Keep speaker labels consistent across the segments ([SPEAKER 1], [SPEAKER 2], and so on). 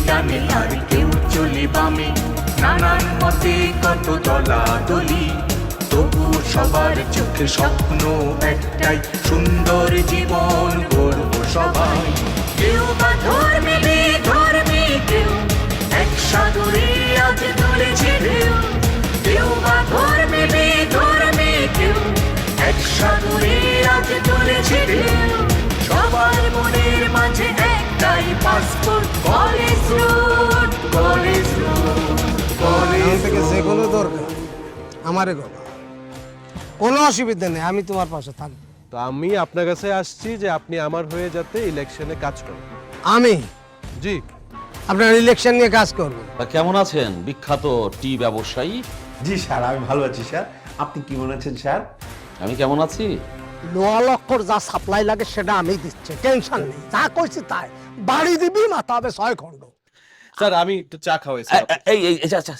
[SPEAKER 1] ডানে আর কেউ চলে বামে, নানান মতে কত দলাদলি, তবু সবার চোখে স্বপ্ন একটাই, সুন্দর জীবন গড়ব সবাই। কেউ বা ধর্মে বেধর্মে, কেউ এক সাগরে আজ তুলেছে ঢেউ, কেউ বা ধর্মে বেধর্মে, কেউ এক সাগরে আজ তুলেছে ঢেউ। সবার মনের মাঝে একটাই passport, college road, college road, college
[SPEAKER 2] থেকে
[SPEAKER 1] রোড।
[SPEAKER 2] যেগুলো দরকার আমারে বাবা, কোনো অসুবিধা নেই, আমি তোমার পাশে থাকবো।
[SPEAKER 3] তো আমি আপনার কাছে আসছি যে আপনি আমার হয়ে যাতে ইলেকশনে কাজ করেন।
[SPEAKER 2] আমি
[SPEAKER 3] জি।
[SPEAKER 2] আপনার ইলেকশন নিয়ে কাজ করবো।
[SPEAKER 4] তা কেমন আছেন বিখ্যাত টি ব্যবসায়ী?
[SPEAKER 5] জি স্যার, আমি ভালো আছি স্যার। আপনি কেমন আছেন স্যার?
[SPEAKER 4] আমি কেমন আছি?
[SPEAKER 2] লোয়া লক্ষর যা সাপ্লাই লাগে সেটা আমি দিচ্ছি, টেনশন নেই, যা করছি তাই বাড়ি দিবি, মাথা হবে 6 খণ্ড।
[SPEAKER 3] স্যার আমি একটু চা খাওয়াই স্যার।
[SPEAKER 4] এই আচ্ছা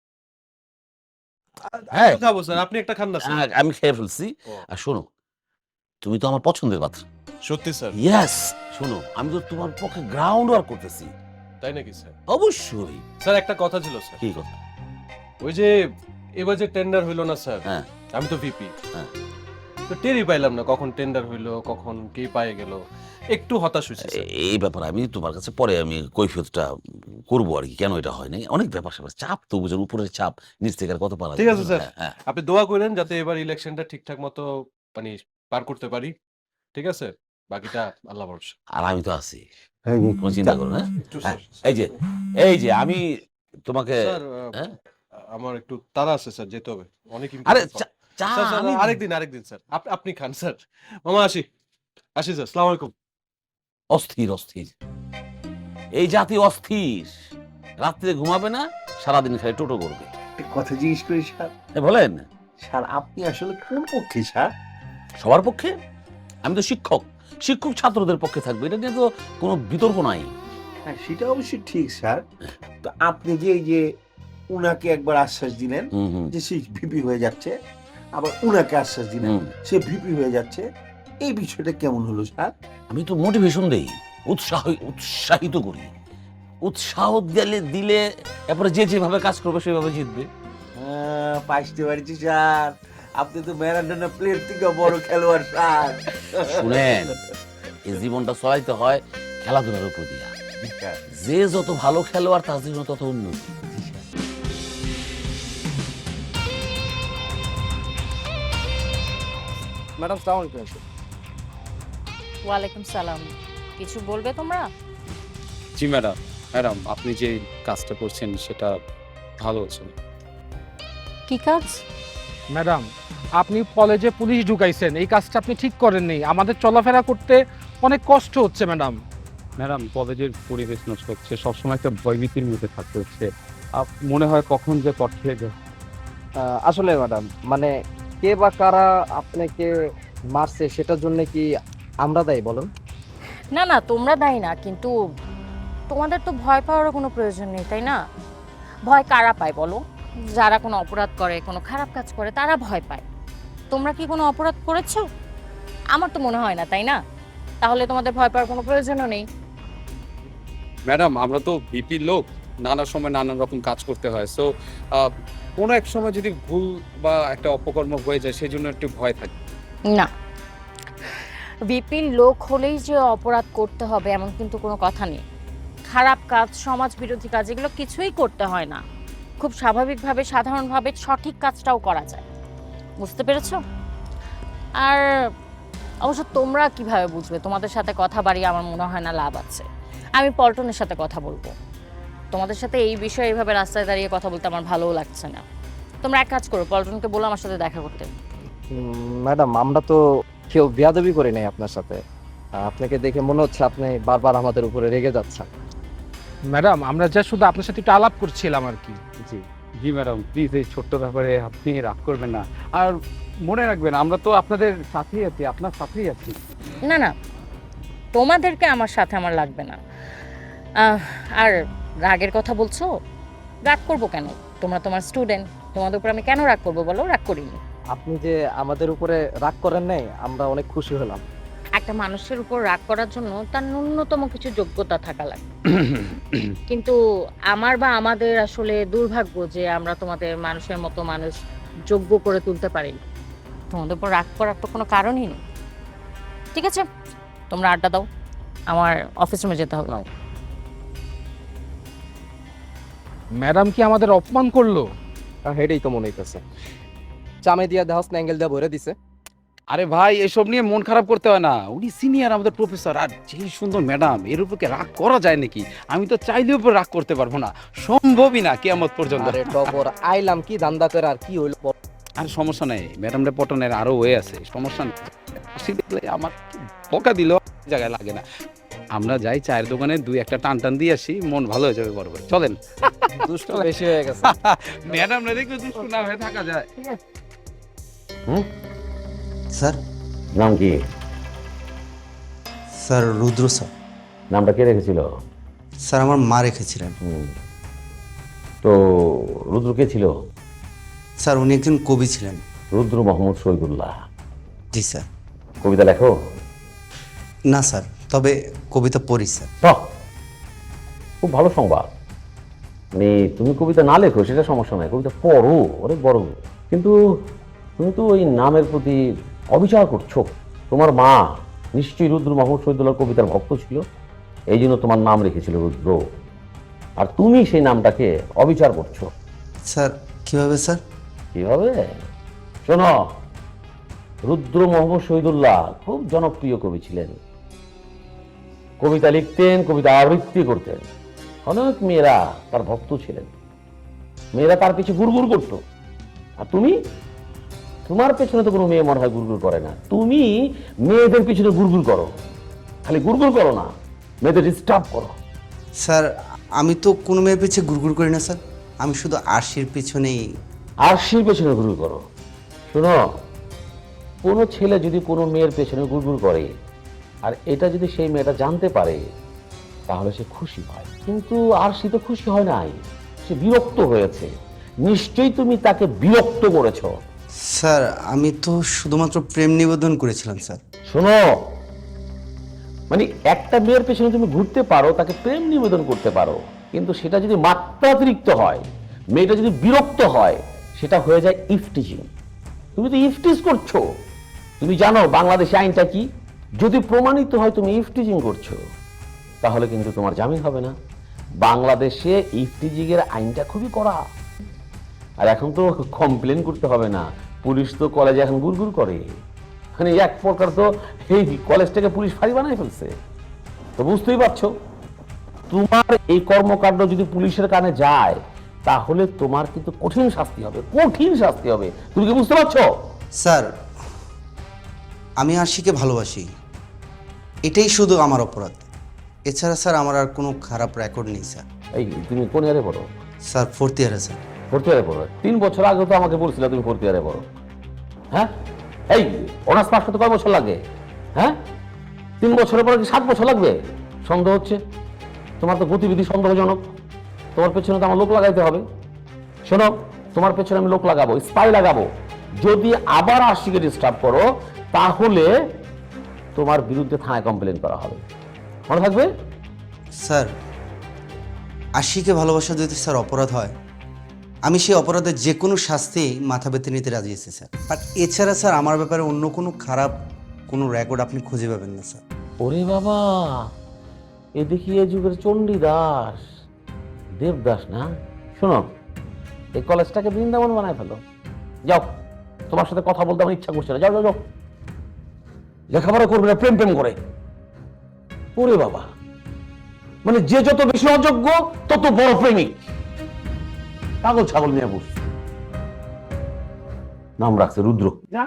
[SPEAKER 3] হ্যাঁ খাবো স্যার, আপনি একটা খান না স্যার।
[SPEAKER 4] আমি খেয়ে ফেলছি। আর শোনো, তুমি তো আমার পছন্দের পাত্র।
[SPEAKER 3] সত্যি স্যার?
[SPEAKER 4] ইয়েস। শোনো, আমি তো তোমার পক্ষে গ্রাউন্ড ওয়ার্ক করতেছি।
[SPEAKER 3] তাই নাকি স্যার?
[SPEAKER 4] অবশ্যই।
[SPEAKER 3] স্যার একটা কথা ছিল স্যার।
[SPEAKER 4] কি কথা?
[SPEAKER 3] ওই যে এবার যে টেন্ডার হইলো না স্যার,
[SPEAKER 4] হ্যাঁ
[SPEAKER 3] আমি তো ভিপি,
[SPEAKER 4] হ্যাঁ।
[SPEAKER 3] তো টেরই পাইলাম না কখন টেন্ডার হইলো, কখন কে পায়ে গেল, একটু হতাশ হয়েছে স্যার।
[SPEAKER 4] এই ব্যাপারে আমি তোমার কাছে পরে আমি কৈফিয়তটা করবো আর কি, কেন এটা হয় নাই। অনেক ব্যাপার স্যাপার, চাপ তো বুঝেন, উপরের চাপ, নিচ থেকে আর কত পারা
[SPEAKER 3] ঠিক আছে স্যার,
[SPEAKER 4] হ্যাঁ।
[SPEAKER 3] আপনি দোয়া করেন যাতে এবার ইলেকশনটা ঠিকঠাক মতো মানে পার করতে পারি। ঠিক আছে, বাকিটা আল্লাহ ভরসা।
[SPEAKER 4] আর আমি তো আছি, কোনো চিন্তা করো না।
[SPEAKER 3] একটু
[SPEAKER 4] হ্যাঁ,
[SPEAKER 3] স্যার,
[SPEAKER 4] এই যে আমি তোমাকে
[SPEAKER 3] স্যার,
[SPEAKER 4] হ্যাঁ?
[SPEAKER 3] আমার একটু তাড়া আছে স্যার, যেতে হবে অনেক
[SPEAKER 4] আরে
[SPEAKER 3] important
[SPEAKER 4] চা-
[SPEAKER 3] কথা।
[SPEAKER 4] চা
[SPEAKER 3] স্যার, স্যার,
[SPEAKER 4] আমি-
[SPEAKER 3] আরেকদিন স্যার, আপনি খান স্যার। মামা আসি আসি স্যার, আসসালামু আলাইকুম।
[SPEAKER 4] অস্থির অস্থির, এই জাতি অস্থির, রাত্রে ঘুমাবে না, সারাদিন খালি টোটো করবে।
[SPEAKER 5] একটা কথা জিজ্ঞেস করি স্যার।
[SPEAKER 4] বলেন।
[SPEAKER 5] স্যার আপনি আসলে কোন পক্ষে স্যার?
[SPEAKER 4] সবার পক্ষে, আমি তো শিক্ষক, শিক্ষক ছাত্রদের পক্ষে থাকবে, এটা নিয়ে তো কোনো বিতর্ক নাই।
[SPEAKER 5] হ্যাঁ সেটা অবশ্যই ঠিক স্যার। তো আপনি যে এই যে উনাকে একবার আশ্বাস দিলেন যে সে ভিপি হয়ে যাচ্ছে, আবার উনাকে আশ্বাস দিলেন
[SPEAKER 4] হুম।
[SPEAKER 5] সে ভিপি হয়ে যাচ্ছে, এই বিষয়টা কেমন হলো স্যার?
[SPEAKER 4] আমি তো মোটিভেশন দেই, উৎসাহিত করি, উৎসাহ দিলে এরপরে যে যেভাবে কাজ করবে সেভাবে জিতবে।
[SPEAKER 5] পাইতে পারছি স্যার, আপনি তো ম্যারাডোনা প্লেয়ার থেকে বড় খেলোয়াড় স্যার।
[SPEAKER 4] শুনেন, এই জীবনটা চলাইতে হয় খেলাধুলার উপর দিয়া। যে যত ভালো খেলোয়াড় তার জীবন তত উন্নতি।
[SPEAKER 2] ম্যাডাম সালাম আলাইকুম।
[SPEAKER 6] ওয়ালাইকুম সালাম। কিছু বলবে তোমরা?
[SPEAKER 7] জি ম্যাডাম, ম্যাডাম আপনি যে কাজটা করছেন সেটা ভালো হচ্ছে।
[SPEAKER 6] কি কাজ?
[SPEAKER 8] ম্যাডাম, আপনি কলেজে পুলিশ ঢুকাইছেন, এই কাজটা আপনি ঠিক করেননি, আমাদের চলাফেরা করতে অনেক কষ্ট হচ্ছে ম্যাডাম।
[SPEAKER 7] ম্যাডাম কলেজের পরিবেশ নষ্ট হচ্ছে, সবসময় একটা ভয়ভীতির মধ্যে থাকতে হচ্ছে, মনে হয় কখন যে পথ খেয়ে যায়।
[SPEAKER 9] আসলে ম্যাডাম, মানে কে বা কারা আপনাকে মারছে সেটার জন্য কি আমরা দায়ী বলুন?
[SPEAKER 6] না না, তোমরা দায়ী না, কিন্তু তোমাদের তো ভয় পাওয়ার কোনো প্রয়োজন নেই, তাই না? ভয় কারা পায় বলো? যারা কোনো অপরাধ করে, কোনো খারাপ কাজ করে, তারা ভয় পায়। তোমরা কি কোনো অপরাধ করেছো? আমার তো মনে হয় না, তাই না? তাহলে তোমাদের ভয় পাওয়ার কোনো প্রয়োজনও নেই।
[SPEAKER 7] ম্যাডাম আমরা তো ভিপির লোক, নানা সময় নানান রকম কাজ করতে হয়, সো কোনো এক সময় যদি ভুল বা একটা অপকর্ম হয়ে যায় সেই জন্য একটু ভয় থাকে।
[SPEAKER 6] না, বিপিন লোক হলেই যে অপরাধ করতে হবে এমন কিন্তু কোনো কথা নেই। খারাপ কাজ, সমাজ বিরোধী কাজ, এগুলো কিছুই করতে হয় না। খুব স্বাভাবিকভাবে, সাধারণভাবে সঠিক কাজটাও করা যায়। বুঝতে পেরেছো? আর অবশ্য তোমরা কিভাবে বুঝবে? তোমাদের সাথে কথা বাড়িয়ে আমার মনে হয় না লাভ আছে। আমি পল্টনের সাথে কথা বলবো। তোমাদের সাথে এই বিষয়ে এইভাবে রাস্তায় দাঁড়িয়ে কথা বলতে আমার ভালোও লাগছে না। তোমরা এক কাজ করো, পল্টনকে বলো আমার সাথে দেখা করতে।
[SPEAKER 9] ম্যাডাম, আমরা তো কেউ বেয়াদবি করি নাই আপনার সাথে। আপনাকে দেখে মনে হচ্ছে আপনি বারবার আমাদের উপরে রেগে যাচ্ছেন।
[SPEAKER 8] ম্যাডাম, আমরা যা শুধু আপনার সাথে একটু আলাপ করছিলাম আর কি।
[SPEAKER 7] জি জি ম্যাডাম, প্লিজ এই ছোট্ট ব্যাপারে আপনি রাগ করবেন না, আর মনে রাখবেন আমরা তো আপনাদের সাথেই আছি, আপনার সাথেই আছি।
[SPEAKER 6] না না, তোমাদেরকে আমার সাথে আমার লাগবে না। আর রাগের কথা বলছো, রাগ করবো কেন? তোমরা তোমার স্টুডেন্ট, তোমাদের উপর আমি কেন রাগ করবো বলো? রাগ করিনি।
[SPEAKER 9] আপনি যে আমাদের উপরে রাগ করেন নাই, আমরা অনেক খুশি হলাম।
[SPEAKER 6] একটা মানুষের উপর রাগ করার জন্য তার ন্যূনতম কিছু যোগ্যতা থাকা লাগে। কিন্তু আমার বা আমাদের আসলে দুর্ভাগ্য যে আমরা তোমাদের মানুষের মতো মানুষ যোগ্য করে তুলতে পারিনি। তোমাদের উপর রাগ করার তো কোনো কারণই নেই। ঠিক আছে, তোমরা আড্ডা দাও, আমার অফিস রুমে যেতে হবে।
[SPEAKER 8] ম্যাডাম কি আমাদের অপমান করলো?
[SPEAKER 9] হেডেই তো মনে হইতেছে, চামে দিয়া দেহস না অ্যাঙ্গেল দিয়া ভরে দিছে।
[SPEAKER 7] আরে ভাই এসব নিয়ে মন খারাপ করতে হয় না, উনি সিনিয়র আমাদের প্রফেসর, আর যেই সুন্দর ম্যাডাম, এর উপর কি রাগ করা যায় নাকি? আমি তো চাইলেও উপর রাগ করতে পারবো না, সম্ভবই না কিয়ামত পর্যন্ত।
[SPEAKER 9] আরে টপর আইলাম কি ধান্দা করে আর কি হইলো?
[SPEAKER 7] আর সমস্যা নেই, ম্যাডামরা পটনের আরো ওয়ে আছে, সমস্যা নেই। হাসি দেখলে আমার বকা দিল জায়গায় লাগে না। আমরা যাই চায়ের দোকানে দুই একটা টান টান দিয়ে আসি, মন ভালো হয়ে যাবে বড় ভাই, চলেন।
[SPEAKER 9] দুষ্ট বেশি হয়ে গেছে।
[SPEAKER 7] ম্যাডাম না দেখলে দুষ্টু না হয়ে থাকা যায়।
[SPEAKER 10] স্যার,
[SPEAKER 4] নাম কি?
[SPEAKER 10] Sir Rudra sir.
[SPEAKER 4] নামটা কে রেখেছিল?
[SPEAKER 10] স্যার আমার মা রেখেছিলেন।
[SPEAKER 4] তো রুদ্র কে ছিল?
[SPEAKER 10] স্যার উনি একজন কবি ছিলেন।
[SPEAKER 4] রুদ্র মোহাম্মদ শহীদুল্লাহ।
[SPEAKER 10] জি স্যার।
[SPEAKER 4] কবিতা লেখো?
[SPEAKER 10] না স্যার, তবে কবিতা পড়ি স্যার।
[SPEAKER 4] বাহ, খুব ভালো সংবাদ। মানে তুমি কবিতা না লেখো সেটা সমস্যা নয়, কবিতা পড়ো, অনেক বড়। কিন্তু তুমি তো ওই নামের প্রতি অবিচার করছো। তোমার মা নিশ্চয়ই রুদ্র মোহাম্মদ শহীদুল্লাহর কবিতার ভক্ত ছিল, এই জন্য তোমার নাম রেখেছিল রুদ্র, আর তুমি সেই নামটাকে অবিচার করছো।
[SPEAKER 10] স্যার কিভাবে স্যার?
[SPEAKER 4] কিভাবে? শোনো, রুদ্র মোহাম্মদ শহীদুল্লাহ খুব জনপ্রিয় কবি ছিলেন। কবিতা লিখতেন, কবিতা আবৃত্তি করতেন, অনেক মেয়েরা তার ভক্ত ছিলেন। মেয়েরা তার পিছু গুড়গুড় করতো। আর তুমি, তোমার পেছনে তো কোনো মেয়ে মনে হয় গুড়গুড় করে না, তুমি মেয়েদের পিছনে গুড়গুড় করো। খালি গুড়গুড় করো না, মেয়েদের ডিস্টার্ব করো।
[SPEAKER 10] স্যার আমি তো কোনো মেয়ের পিছিয়ে গুড়গুড় করি না স্যার, আমি শুধু আরশির পিছনেই।
[SPEAKER 4] আর সেই পেছনে গুড়গুড় করো। শোনো, কোনো ছেলে যদি কোনো মেয়ের পেছনে গুড়গুড় করে আর এটা যদি সেই মেয়েটা জানতে পারে তাহলে সে খুশি হয়, কিন্তু আর সে তো খুশি হয় নাই, সে বিরক্ত হয়েছে। নিশ্চয়ই তুমি তাকে বিরক্ত করেছো।
[SPEAKER 10] স্যার আমি তো শুধুমাত্র প্রেম নিবেদন করেছিলাম স্যার।
[SPEAKER 4] শোনো, মানে একটা মেয়ের পেছনে তুমি ঘুরতে পারো, তাকে প্রেম নিবেদন করতে পারো, কিন্তু সেটা যদি মাত্রাতিরিক্ত হয়, মেয়েটা যদি বিরক্ত হয়, সেটা হয়ে যায় ইফটিজিং। তুমি তো ইফটিজ করছো। তুমি জানো বাংলাদেশে আইনটা কি? যদি প্রমাণিত হয় তুমি ইফটিজিং করছো, তাহলে কিন্তু তোমার জামিন হবে না। বাংলাদেশে ইফটিজিং এর আইনটা খুবই কড়া। আর এখন তো কমপ্লেন করতে হবে না, পুলিশ তো কলেজে এখন গুড়গুড় করে। মানে এক প্রকার তো এই কলেজটাকে পুলিশ ফাঁড়ি বানাই ফেলছে। তো বুঝতেই পারছো, তোমার এই কর্মকাণ্ড যদি পুলিশের কানে যায় তাহলে তোমার কিন্তু কঠিন শাস্তি হবে, কঠিন শাস্তি হবে। তুমি কি বুঝতে পারছো?
[SPEAKER 10] স্যার আমি আরশিকে ভালোবাসি, এটাই শুধু আমার অপরাধ। এছাড়া স্যার আমার আর কোনো খারাপ রেকর্ড নেই স্যার।
[SPEAKER 4] এই তুমি কোন ইয়ারে পড়ো?
[SPEAKER 10] স্যার ফোর্থ ইয়ারে স্যার।
[SPEAKER 4] ফোর্থ ইয়ারে পড়ো? 3 বছর আগে তো আমাকে বলছিলে তুমি ফোর্থ ইয়ারে পড়ো। হ্যাঁ, এই অনার্স পাস করতে কয় বছর লাগে? হ্যাঁ, 3 বছরের পরে কি 7 বছর লাগবে? সন্দেহ হচ্ছে, তোমার তো গতিবিধি সন্দেহজনক। তোমার পেছনে তো আমার লোক লাগাইতে হবে। শোনো, তোমার পেছনে আমি লোক লাগাবো, স্পাই লাগাবো। যদি আবার আশিকে ডিস্টার্ব করো তাহলে তোমার বিরুদ্ধে থানায় কমপ্লেন করা হবে, মনে থাকবে?
[SPEAKER 10] স্যার আশিকে ভালোবাসা যদি স্যার অপরাধ হয়, আমি সেই অপরাধের যে কোনো শাস্তি মাথা পেতে নিতে রাজি আছি স্যার। বাট এছাড়া স্যার আমার ব্যাপারে অন্য কোনো খারাপ কোনো রেকর্ড আপনি খুঁজে পাবেন না স্যার।
[SPEAKER 4] ওরে বাবা, এ দেখি এ যুগের চণ্ডীদাস দেবদাস না। শোনো, এই কলেজটাকে বৃন্দাবন বানায় ফেলো। যাও, তোমার সাথে কথা বলতে আমার ইচ্ছা করছে না। যাও যাও যাও, লেখাপড়া করবে না, প্রেম প্রেম করে। ওরে বাবা, মানে যে যত বেশি অযোগ্য তত বড় প্রেমিক। পাগল ছাগল নিয়ে বস, নাম রাখছে রুদ্র।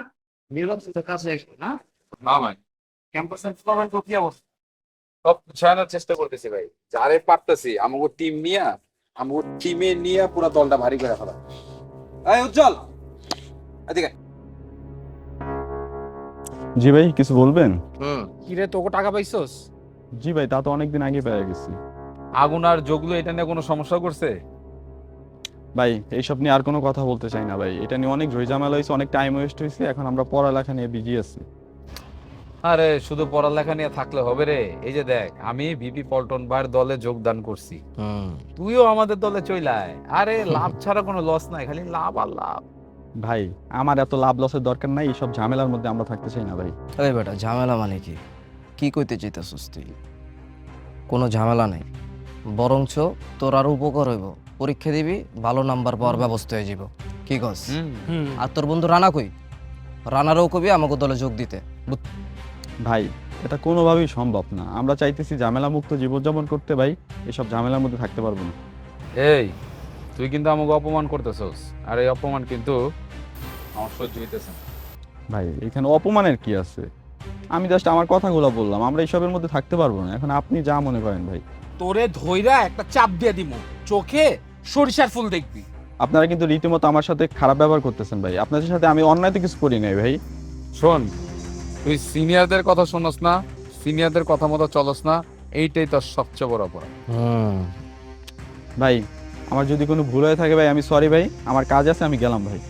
[SPEAKER 7] সব গুছানোর চেষ্টা করতেছি ভাই, যারে পারতেছি আমাকে টিম নিয়ে, আমাকে টিমে নিয়ে পুরো দলটা ভারী করে ফেলা। এই উজ্জ্বল, এদিকে।
[SPEAKER 11] জি ভাই, কিছু বলবেন?
[SPEAKER 8] কিরে, তোকে টাকা পাইছস?
[SPEAKER 11] জি ভাই, তা তো অনেকদিন আগে পেয়ে গেছি।
[SPEAKER 7] আগুন আর যোগলু এটা নিয়ে কোনো সমস্যা করছে?
[SPEAKER 11] ভাই এইসব নিয়ে আর কোনো কথা বলতে চাই না ভাই, এটা নিয়ে অনেক ঝামেলা হয়েছে, অনেক টাইম ওয়েস্ট হয়েছে। এখন আমরা পড়ালেখা নিয়ে বিজি আছি।
[SPEAKER 7] আরে শুধু পড়ালেখা নিয়ে থাকলে হবে রে? এই যে দেখ, আমি ভিপি পল্টন ভাইয়ের দলে যোগদান করছি, তুইও আমাদের দলে চইলায়। আরে লাভ ছাড়া কোনো লস নাই, খালি লাভ আর লাভ।
[SPEAKER 11] ভাই আমার এত লাভ লসের দরকার নাই, এইসব ঝামেলার মধ্যে আমরা থাকতে চাই না ভাই।
[SPEAKER 9] আরে বেটা ঝামেলা মানে কি? কি কইতে চাইতেছিস তুই? কোনো ঝামেলা নেই, বরঞ্চ তোর আরো উপকার হইব। পরীক্ষা দিবি, ভালো নাম্বার পাওয়ার ব্যবস্থা হয়ে যাব। কি কস? আর তোর বন্ধু রানা কই? রানারও কবি আমাকে দলে যোগ দিতে।
[SPEAKER 11] ভাই এটা কোনোভাবেই সম্ভব না, আমরা চাইতেছি ঝামেলা মুক্ত জীবনযাপন করতে ভাই, এসব ঝামেলার মধ্যে থাকতে পারবো না।
[SPEAKER 7] এই তুই কিন্তু আমাকে অপমান করতেছস, আর এই অপমান কিন্তু আমার সহ্য হইতেছে না।
[SPEAKER 11] ভাই এখানে অপমানের কি আছে? আমি জাস্ট আমার কথাগুলো বললাম, আমরা এইসবের মধ্যে থাকতে পারবো না। এখন আপনি যা মনে করেন ভাই।
[SPEAKER 8] তোরে ধইরা একটা চাপ দিয়ে দিমু, চোখে সরিষার ফুল দেখবি।
[SPEAKER 11] আপনারা কিন্তু রীতিমতো আমার সাথে খারাপ ব্যবহার করতেছেন ভাই। আপনাদের সাথে আমি অন্যায় তো কিছু করি নাই ভাই।
[SPEAKER 7] শোন, তুই সিনিয়রদের কথা শোনস না, সিনিয়রদের কথা মতো চলস না, এইটাই তোর সবচেয়ে বড় অপরাধ।
[SPEAKER 11] ভাই আমার যদি কোনো ভুল হয়ে থাকে ভাই আমি সরি ভাই, আমার কাজ আছে, আমি গেলাম ভাই।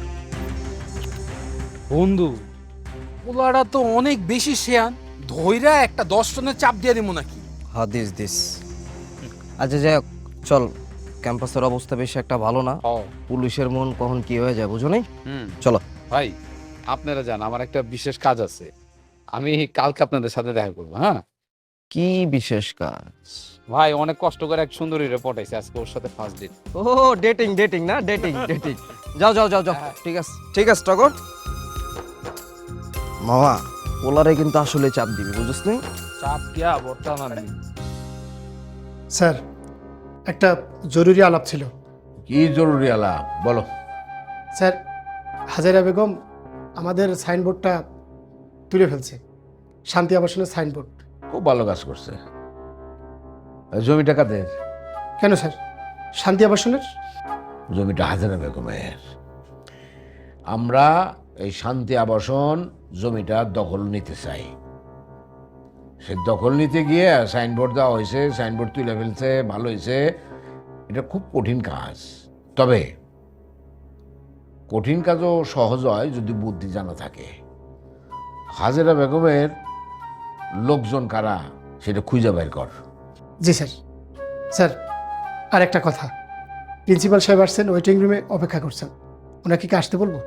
[SPEAKER 8] বন্ধু ওলারা তো অনেক বেশি শেয়ান, ধইরা একটা 10 টনের চাপ দিয়ে দিমু নাকি?
[SPEAKER 9] হাদিস দিস। আচ্ছা যাই হোক, চল। ক্যাম্পাসের অবস্থা বেশি একটা ভালো না, পুলিশের মন কখন কি হয়ে যায় বুঝো নাই। চলো
[SPEAKER 7] ভাই, আপনারা যান, আমার একটা বিশেষ কাজ আছে, আমি কালকে আপনাদের সাথে দেখা করবো। হ্যাঁ,
[SPEAKER 9] কি বিশেষ কাজ?
[SPEAKER 7] ভাই অনেক কষ্ট করে এক সুন্দরী রিপোর্ট আইছে, আজকে ওর সাথে ফার্স্ট ডেট।
[SPEAKER 9] ও ডেটিং ডেটিং না, ডেটিং ডেটিং। যাও যাও যাও যাও, ঠিক আছে ঠিক আছে টগর। মামা ওলারে কিন্তু আসলে চাপ দিবি, বুঝছিস নি?
[SPEAKER 7] চাপ দিয়া বর্তমান
[SPEAKER 12] স্যার, একটা জরুরি আলাপ ছিল।
[SPEAKER 5] কি জরুরি আলাপ বলো?
[SPEAKER 12] স্যার, হাজারা বেগম আমাদের সাইনবোর্ডটা তুলে ফেলছে, শান্তি আবাসনের সাইনবোর্ড।
[SPEAKER 5] খুব ভালো কাজ করছে। জমিটা কাদের?
[SPEAKER 12] কেন স্যার, শান্তি আবাসনের?
[SPEAKER 5] জমিটা হাজারা বেগমের। আমরা এই শান্তি আবাসন জমিটা দখল নিতে চাই। সে দখল নিতে গিয়ে সাইনবোর্ড দেওয়া হয়েছে, সাইনবোর্ড তুলে ফেলছে, ভালো হয়েছে। এটা খুব কঠিন কাজ, তবে কঠিন কাজও সহজ হয় যদি বুদ্ধি জানা থাকে। হাজেরা বেগমের লোকজন কারা সেটা খুঁজে বের কর।
[SPEAKER 12] জি স্যার। স্যার আর একটা কথা, প্রিন্সিপাল সাহেব আসছেন, ওয়েটিং রুমে অপেক্ষা করছেন, ওনাকে কি আসতে বলবো?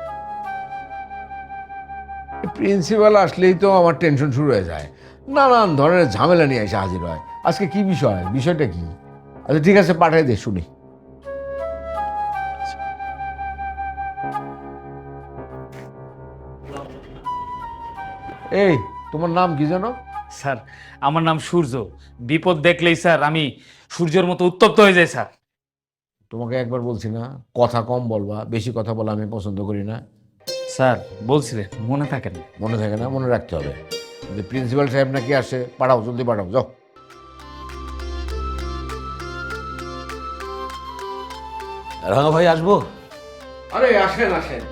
[SPEAKER 5] প্রিন্সিপাল আসলেই তো আমার টেনশন শুরু হয়ে যায়, নানান ধরনের ঝামেলা নিয়ে এসে হাজির হয়। আজকে কি বিষয়, বিষয়টা কি? আচ্ছা ঠিক আছে, পাঠাই দে শুনি। এই তোমার নাম কি জানো?
[SPEAKER 8] স্যার আমার নাম সূর্য। বিপদ দেখলেই স্যার আমি সূর্যের মতো উত্তপ্ত হয়ে যাই স্যার।
[SPEAKER 5] তোমাকে একবার বলছি না কথা কম বলবা, বেশি কথা বলা আমি পছন্দ করি না।
[SPEAKER 8] স্যার বলছিলেন, মনে থাকে না।
[SPEAKER 5] মনে থাকে না, মনে রাখতে হবে। যে প্রিন্সিপাল সাহেব নাকি আসে, পাঠাও, জলদি পাঠাও, যাও।
[SPEAKER 4] রাঙা ভাই আসবো?
[SPEAKER 5] আরে আসেন আসেন।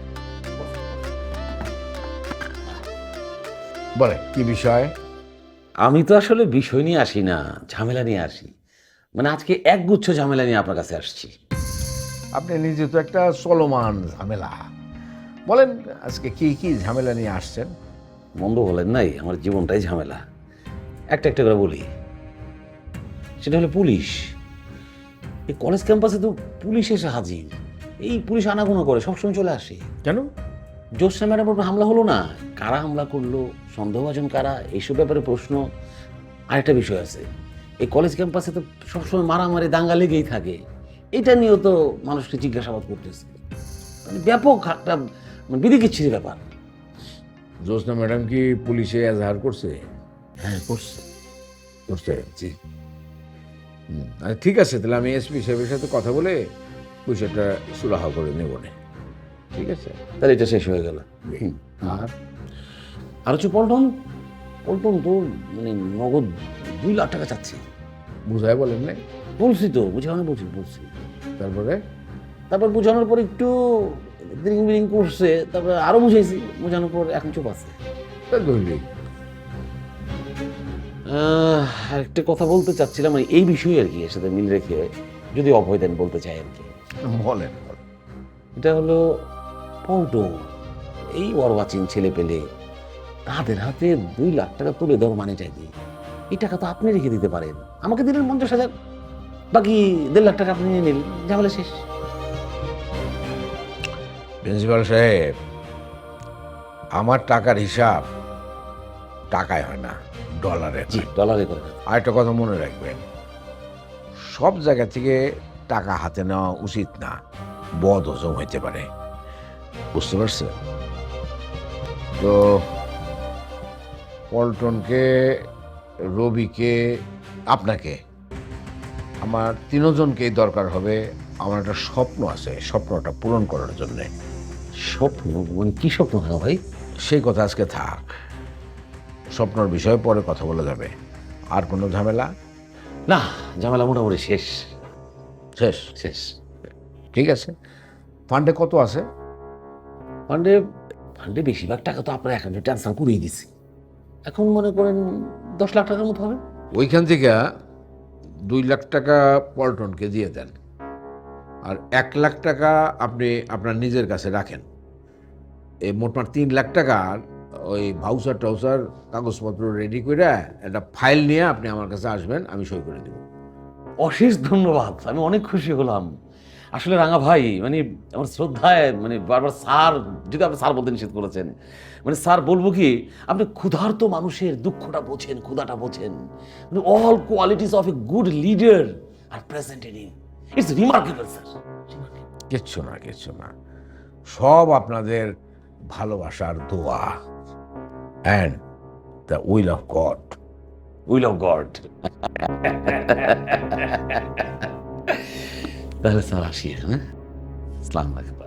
[SPEAKER 5] বলে কি বিষয়?
[SPEAKER 4] আমি তো আসলে বিষয় নিয়ে আসি না, ঝামেলা নিয়ে আসি। মানে আজকে একগুচ্ছ ঝামেলা নিয়ে আপনার কাছে আসছি।
[SPEAKER 5] আপনি নিজে তো একটা চলমান ঝামেলা, বলেন আজকে কি কি ঝামেলা নিয়ে আসছেন?
[SPEAKER 4] মন্দ বলেন নাই, আমার জীবনটাই ঝামেলা। একটা একটা করে বলি। সেটা হলো পুলিশ। এই কলেজ ক্যাম্পাসে তো পুলিশ এসে হাজির। এই পুলিশ আনাগোনা করে, সবসময় চলে আসে।
[SPEAKER 5] কেন?
[SPEAKER 4] জ্যোৎস্না ম্যাডামের উপর হামলা হলো না, কারা হামলা করলো, সন্দেহভাজন কারা, এইসব ব্যাপারে প্রশ্ন। আরেকটা বিষয় আছে, এই কলেজ ক্যাম্পাসে তো সবসময় মারামারি দাঙ্গা লেগেই থাকে। এটা নিয়েও তো মানুষকে জিজ্ঞাসাবাদ করতেছে। মানে ব্যাপক একটা বিধিকিচ্ছির ব্যাপার।
[SPEAKER 5] জ্যোৎস্না ম্যাডাম কি পুলিশে এজাহার করছে?
[SPEAKER 4] হ্যাঁ করছে।
[SPEAKER 5] করছে? জি। আচ্ছা ঠিক আছে, তাহলে আমি এসপি সাহেবের সাথে কথা বলে বিষয়টা সুরাহা করে নেব না। ঠিক আছে,
[SPEAKER 4] তাহলে এটা শেষ হয়ে গেল। আর হচ্ছে পল্টন, পল্টন তো মানে নগদ 2 লাখ টাকা চাচ্ছে।
[SPEAKER 5] বুঝায় বলেন না?
[SPEAKER 4] বলছি তো, বুঝানো বলছি। তারপর বোঝানোর পর একটু দ্রিং বিরিং করছে, তারপর আরো বুঝাইছি, বোঝানোর পর এখন চুপ আছে। আরেকটা কথা বলতে চাচ্ছিলাম, মানে এই বিষয়ে আর কি, এর সাথে মিল রেখে যদি অভয় দেন বলতে চাই আর কি।
[SPEAKER 5] বলেন।
[SPEAKER 4] এটা হলো পল্টন, এই অর্বাচীন ছেলে পেলে তাদের হাতে 2 লাখ টাকা তুলে দেওয়ার মানে চাইতে এই টাকা তো আপনি রেখে দিতে পারেন, আমাকে দিলেন 50,000, বাকি 1.5 লাখ টাকা আপনি নিয়ে নিলেন, ঝামেলা শেষ।
[SPEAKER 5] প্রিন্সিপাল সাহেব, আমার টাকার হিসাব টাকায় হয় না, ডলারে।
[SPEAKER 4] জি, ডলারে করে।
[SPEAKER 5] আর একটা কথা মনে রাখবেন, সব জায়গা থেকে টাকা হাতে নেওয়া উচিত না, বদ হজম হইতে পারে, বুঝতে পারছেন? তো পল্টনকে, রবিকে, আপনাকে, আমার 3 জনকেই দরকার হবে। আমার একটা স্বপ্ন আছে, স্বপ্নটা পূরণ করার জন্যে।
[SPEAKER 4] স্বপ্ন? মানে কি স্বপ্ন ভাই?
[SPEAKER 5] সেই কথা আজকে থাক, স্বপ্নর বিষয়ে পরে কথা বলা যাবে। আর কোনো ঝামেলা?
[SPEAKER 4] না, ঝামেলা মোটামুটি শেষ।
[SPEAKER 5] শেষ?
[SPEAKER 4] শেষ।
[SPEAKER 5] ঠিক আছে। ফান্ডে কত আছে?
[SPEAKER 4] ফান্ডে বেশিরভাগ টাকা তো আপনার অ্যাকাউন্টে ট্রান্সফার করেই দিছি। এখন মনে করেন 10 লাখ টাকার মতো হবে।
[SPEAKER 5] ওইখান থেকে 2 লাখ টাকা পল্টনকে দিয়ে দেন, আর 1 লাখ টাকা আপনি আপনার নিজের কাছে রাখেন। এই মোটমাট 3 লাখ টাকার ওই ভাউচার টাউচার কাগজপত্র রেডি করে একটা ফাইল নিয়ে আপনি আমার কাছে আসবেন, আমি সই করে দেব।
[SPEAKER 4] অশেষ ধন্যবাদ, আমি অনেক খুশি হলাম। আসলে রাঙা ভাই, মানে আমার শ্রদ্ধায়, মানে বারবার স্যার, যদি আপনি স্যার বলতে নিষেধ করেছেন, মানে স্যার বলবো কি, আপনি ক্ষুধার্ত মানুষের দুঃখটা বোঝেন, ক্ষুধাটা বোঝেন। মানে all qualities of a good leader are presented in, it's remarkable sir.
[SPEAKER 5] কিচ্ছু না, কিচ্ছু না, সব আপনাদের ভালোবাসার দোয়া and the will of God.
[SPEAKER 4] Will of God. তাহলে স্যার আসি, হ্যাঁ? আসসালামু আলাইকুম।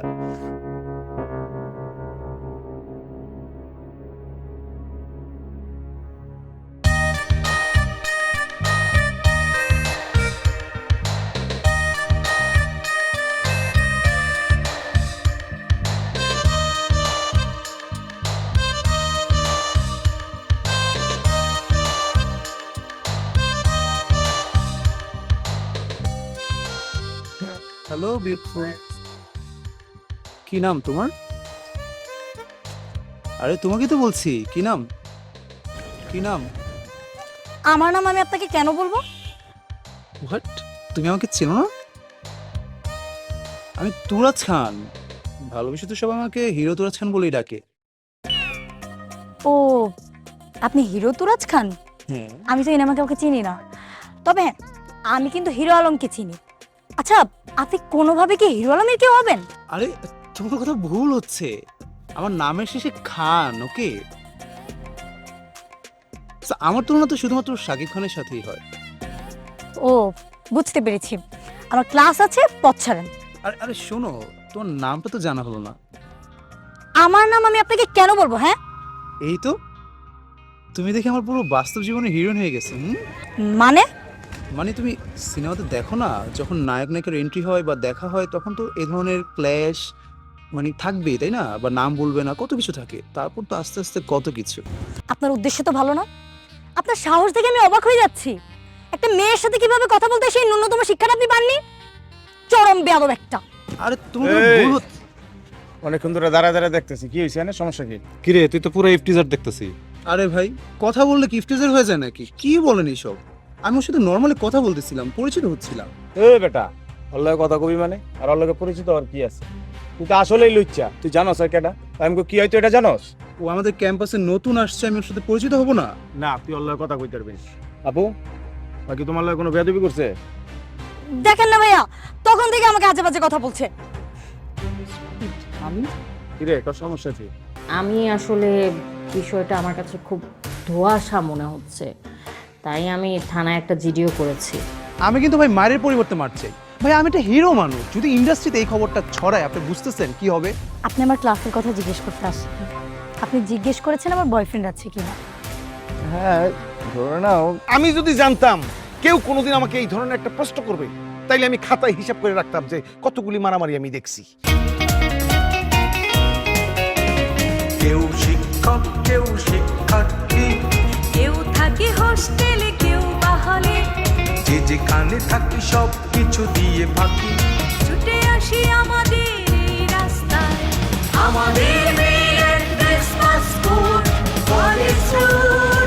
[SPEAKER 7] হ্যালো বিউটিফুল, কি নাম তোমার? আরে তোমাকে তো বলছি, কি নাম? কি নাম?
[SPEAKER 6] আমার নাম আমি আপনাকে কেন বলবো?
[SPEAKER 7] হোয়াট? তুমি আমাকে চেনো না? আমি তুরাজ খান, ভালোবেসে তো সব আমাকে হিরো তুরাজ খান বলেই ডাকে।
[SPEAKER 6] ও, আপনি হিরো তুরাজ খান?
[SPEAKER 7] হ্যাঁ।
[SPEAKER 6] আমি তো এই নামে কাউকে চিনি না, তবে হ্যাঁ, আমি কিন্তু হিরো আলমকে চিনি। আচ্ছা, আপনি কোনোভাবে কি হিরো আলমের কেউ হবেন?
[SPEAKER 7] আরে তোমার কথা ভুল হচ্ছে, আমার নামের শেষে খান, ওকে? আমার তুলনা তো শুধুমাত্র শাকিব খানের সাথেই হয়।
[SPEAKER 6] ও, বুঝতে পেরেছি। আমার ক্লাস আছে, পথ ছাড়েন।
[SPEAKER 7] আরে আরে শোনো, তোমার নামটা তো জানা হলো না।
[SPEAKER 6] আমার নাম আমি আপনাকে কেন বলবো? হ্যাঁ,
[SPEAKER 7] এই তো, তুমি দেখে আমার পুরো বাস্তব জীবনে হিরোইন হয়ে গেছে।
[SPEAKER 6] মানে
[SPEAKER 7] মানে তুমি সিনেমাতে দেখো না, যখন নায়ক নায়িকার এন্ট্রি হয় বা দেখা হয়, তখন তো এই ধরনের ক্ল্যাশ মানে থাকবেই, তাই না? বা নাম বলবে না, কত কিছু থাকে। তারপর তো আস্তে আস্তে কত কিছু।
[SPEAKER 6] আপনার উদ্দেশ্য তো ভালো না। আপনার সাহস দেখে আমি অবাক হয়ে যাচ্ছি। একটা মেয়ের সাথে কিভাবে কথা বলতে সেই ন্যূনতম শিক্ষাটা আপনি পাননি? চরম বেয়াদব একটা।
[SPEAKER 7] আরে তুমি ভুল হচ্ছে।
[SPEAKER 11] অনেকক্ষণ ধরে দাঁড়ায় দাঁড়ায় দেখতেছি, কি হয়েছে? না সমস্যা কি?
[SPEAKER 8] কিরে, তুই তো পুরো ইফটিজার দেখতেছি।
[SPEAKER 7] আরে ভাই, কথা বললে গিফটেজার হয়ে যায় নাকি? কি বলেন এইসব? আমি ওর সাথে নর্মালি কথা বলতেছিলাম, পরিচিত হচ্ছিলাম।
[SPEAKER 11] এ বেটা, ওর লগে কথা কবি মানে? আর ওর লগে পরিচিত আর কি আছে? তুই তো আসলেই লুচ্চা, তুই জানোস আর কেটা? আমি কি হয়তো এটা জানোস?
[SPEAKER 7] ও আমাদের ক্যাম্পাসে নতুন আসছে, আমি ওর সাথে পরিচিত হব না?
[SPEAKER 11] না, তুই ওর লগে কথা কইতে পারবি না। আপু, বাকি তোমার লগে কোনো বেয়াদবি করছে?
[SPEAKER 6] দেখেন না ভাইয়া, তখন থেকে আমাকে আজে বাজে কথা বলছে।
[SPEAKER 11] কি রে, তোর সমস্যা কি?
[SPEAKER 6] আমি আসলে বিষয়টা আমার কাছে খুব ধোঁয়াশা মনে হচ্ছে, তাই আমি থানায় একটা জিডিও করেছি।
[SPEAKER 7] আমি কিন্তু ভাই মায়ের পরিবর্তে মারছে। ভাই আমি একটা হিরো মানুষ, যদি ইন্ডাস্ট্রিতে এই খবরটা ছড়ায়, আপনি বুঝতেছেন কি হবে?
[SPEAKER 6] আপনি আমার ক্লাসের কথা জিজ্ঞেস করতে আসছেন, আপনি জিজ্ঞেস করেছেন আমার বয়ফ্রেন্ড আছে কিনা।
[SPEAKER 11] হ্যাঁ, ধরে নাও আমি যদি জানতাম কেউ কোনোদিন আমাকে এই ধরনের একটা প্রশ্ন করবে, তাইলে আমি খাতায় হিসাব করে রাখতাম যে কতগুলি মারামারি আমি দেখছি।
[SPEAKER 1] কেউ শিক্ষক, কেউ শিক্ষার্থী,
[SPEAKER 13] কেউ থাকে হোস্টেলে, কেউ বা হলে।
[SPEAKER 1] যে যেখানে থাকি সব কিছু দিয়ে ফাঁকি,
[SPEAKER 13] ছুটে আসি আমাদের এই রাস্তায়।
[SPEAKER 1] আমাদের মেয়ের ক্রিসমাস স্কুল।
[SPEAKER 13] It's true.